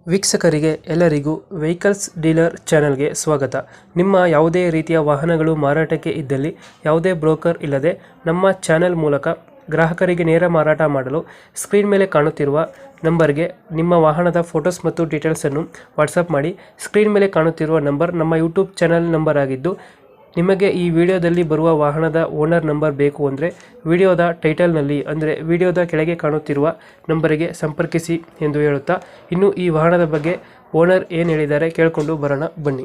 ವೀಕ್ಷಕರಿಗೆ ಎಲ್ಲರಿಗೂ vehicles dealer ಚಾನೆಲ್ಗೆ ಸ್ವಾಗತ. ನಿಮ್ಮ ಯಾವುದೇ ರೀತಿಯ ವಾಹನಗಳು ಮಾರಾಟಕ್ಕೆ ಇದ್ದಲ್ಲಿ ಯಾವುದೇ ಬ್ರೋಕರ್ ಇಲ್ಲದೆ ನಮ್ಮ ಚಾನೆಲ್ ಮೂಲಕ ಗ್ರಾಹಕರಿಗೆ ನೇರ ಮಾರಾಟ ಮಾಡಲು ಸ್ಕ್ರೀನ್ ಮೇಲೆ ಕಾಣುತ್ತಿರುವ ನಂಬರ್ಗೆ ನಿಮ್ಮ ವಾಹನದ ಫೋಟೋಸ್ ಮತ್ತು ಡೀಟೇಲ್ಸನ್ನು ವಾಟ್ಸಪ್ ಮಾಡಿ. ಸ್ಕ್ರೀನ್ ಮೇಲೆ ಕಾಣುತ್ತಿರುವ ನಂಬರ್ ನಮ್ಮ ಯೂಟ್ಯೂಬ್ ಚಾನೆಲ್ ನಂಬರ್ ಆಗಿದ್ದು, ನಿಮಗೆ ಈ ವಿಡಿಯೋದಲ್ಲಿ ಬರುವ ವಾಹನದ ಓನರ್ ನಂಬರ್ ಬೇಕು ಅಂದರೆ ವಿಡಿಯೋದ ಟೈಟಲ್ನಲ್ಲಿ ಅಂದರೆ ವಿಡಿಯೋದ ಕೆಳಗೆ ಕಾಣುತ್ತಿರುವ ನಂಬರಿಗೆ ಸಂಪರ್ಕಿಸಿ ಎಂದು ಹೇಳುತ್ತಾ, ಇನ್ನು ಈ ವಾಹನದ ಬಗ್ಗೆ ಓನರ್ ಏನು ಹೇಳಿದ್ದಾರೆ ಕೇಳಿಕೊಂಡು ಬರೋಣ ಬನ್ನಿ.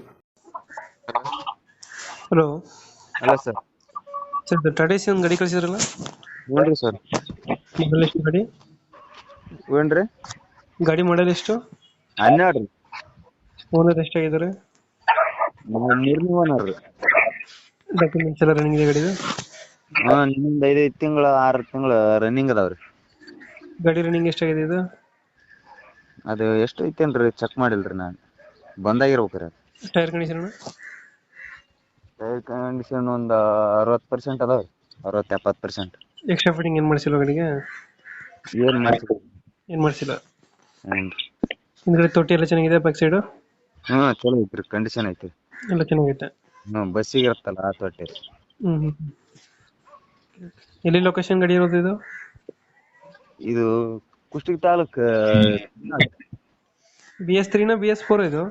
Hello hello sir. Sir, Tata C ಒಂದು ಗಾಡಿ ಕಳಿಸಿದ್ರಲ್ಲ, ಹ್ಞೂ ಸರ್. ಮಾಡಲ್ ಎಷ್ಟು ಗಾಡಿ? ಏನ್ರಿ ಗಾಡಿ ಮಾಡಲ್ ಎಷ್ಟು? 12 ರೀ. ಓನರ್ ಎಷ್ಟಾಗಿದ್ದಾರೆ? ಮೂರನೇ ಓನರ್ ರೀ. ಡಾಕ್ಯುಮೆಂಟ್ಸ್ ಎಲ್ಲ ರನ್ನಿಂಗ್ ಇದೆ ಗಾಡಿದು? ನಿಮ್ಮಿಂದ 5 ತಿಂಗಳ 6 ತಿಂಗಳ ರನ್ನಿಂಗ್ ಅದಾವ್ರಿ. ಗಾಡಿ ರನ್ನಿಂಗ್ ಎಷ್ಟಾಗಿದೆ ಇದು? ಅದು ಎಷ್ಟು ಐತೇನ್ರಿ ಚೆಕ್ ಮಾಡಿಲ್ರಿ ನಾನು, ಬಂದಾಗಿರ್ಬೇಕ್ರಿ. Tyre condition? ಟೈರ್ ಕಂಡೀಷನ್ ಒಂದು 60% ಅದಾವ್ರಿ, 60-70%. ಎಕ್ಸ್ಟ್ರಾ ಫಿಟ್ಟಿಂಗ್ ಏನು ಮಾಡಿಸಿಲ್ಲ ಗಾಡಿಗೆ? ಏನ್ ಮಾಡ್ತೀರಿ? ಏನು ಮಾಡಿಸಿಲ್ಲ. ಹ್ಞೂ ಹಿಂದ್ಗಡೆ ತೊಟ್ಟಿ ಎಲ್ಲ ಚೆನ್ನಾಗಿದೆ, ಬ್ಯಾಕ್ ಸೈಡು ಚಲೋ ಐತ್ರಿ, ಕಂಡೀಷನ್ ಐತಿ ಎಲ್ಲ ಚೆನ್ನಾಗೈತೆ. ಬಸ್ಸಿಗೆ ಇರುತ್ತಲ್ಲ ಆ ತೊಟ್ಟಿ. ಹ್ಮ್. ಎಲ್ಲಿ ಲೊಕೇಶನ್ ಗಾಡಿ ಇರೋದು ಇದು? ಇದು ಕುಷ್ಟಗಿ ತಾಲೂಕ್ BS3 BS4 ಇದು?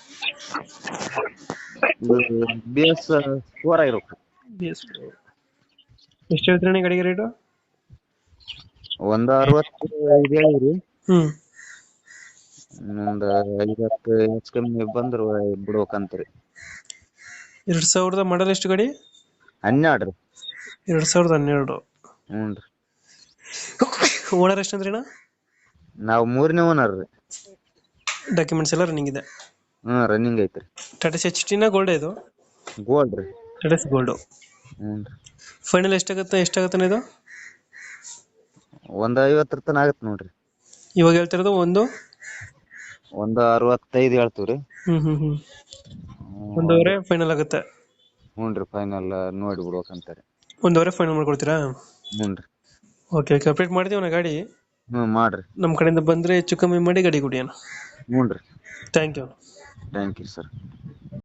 BS4 ಆಗಿರ್ಬೇಕು. BS4. ಎಷ್ಟು ಹೇಳ್ತೀರಣ್ಣ ಗಾಡಿಗೆ ರೇಟು? ಒಂದು 65 ಹೇಳಿರಿ. ಹ್ಮ್. ಒಂದು 50 ಹೆಚ್ಚು ಕಮ್ಮಿ ಬಂದ್ರು ಬಿಡ್ಬೇಕಂತ್ರಿ. 2000 ಮಾಡಲ್ ಎಷ್ಟು ಗಾಡಿ? 12 ರೀ. 2012. ಹ್ಞೂ ರೀ. ಓನರ್ ಎಷ್ಟು ಅಂದ್ರಣ್ಣ? ನಾವು ಮೂರನೇ ಓನರ್ ರೀ. ಡಾಕ್ಯುಮೆಂಟ್ಸ್ ಎಲ್ಲ ರನ್ನಿಂಗ್ ಇದೆ? ರನ್ನಿಂಗ್ ಐತ್ರಿ. ಟಾಟಾ HT ಗೋಲ್ಡ್ ಇದು? ಗೋಲ್ಡ್ ರೀ. ಟಾಟಾ ಗೋಲ್ಡ್. ಹ್ಞೂ ರೀ. ಫೈನಲ್ ಎಷ್ಟಾಗತ್ತೆ ಇದು? ಒಂದು 50 ತನ ಆಗತ್ತೆ ನೋಡ್ರಿ. ಇವಾಗ ಹೇಳ್ತಿರೋದು ಒಂದು 65 ಹೇಳ್ತೀವ್ರಿ. ಹ್ಮ್. ಒಂದೂವರೆ ಫೈನಲ್ ಆಗುತ್ತೆ? ಹ್ಞೂ ರೀ, ಫೈನಲ್ ನೋಡಿ ಬಿಡ್ಬೇಕಂತಾರೆ. ಒಂದೂವರೆ ಫೈನಲ್ ಮಾಡ್ಕೊಡ್ತೀರಾ? ಹ್ಞೂ ರೀ. ಓಕೆ, ಅಪ್ಡೇಟ್ ಮಾಡ್ತೀವಿ ಗಾಡಿ. ಮಾಡ್ರಿ. ನಮ್ಮ ಕಡೆಯಿಂದ ಬಂದರೆ ಹೆಚ್ಚು ಕಮ್ಮಿ ಮಾಡಿ ಗಾಡಿ ಕೊಡಿ ಅಣ್ಣ. ಹ್ಞೂ ರೀ. Thank you. Thank you sir.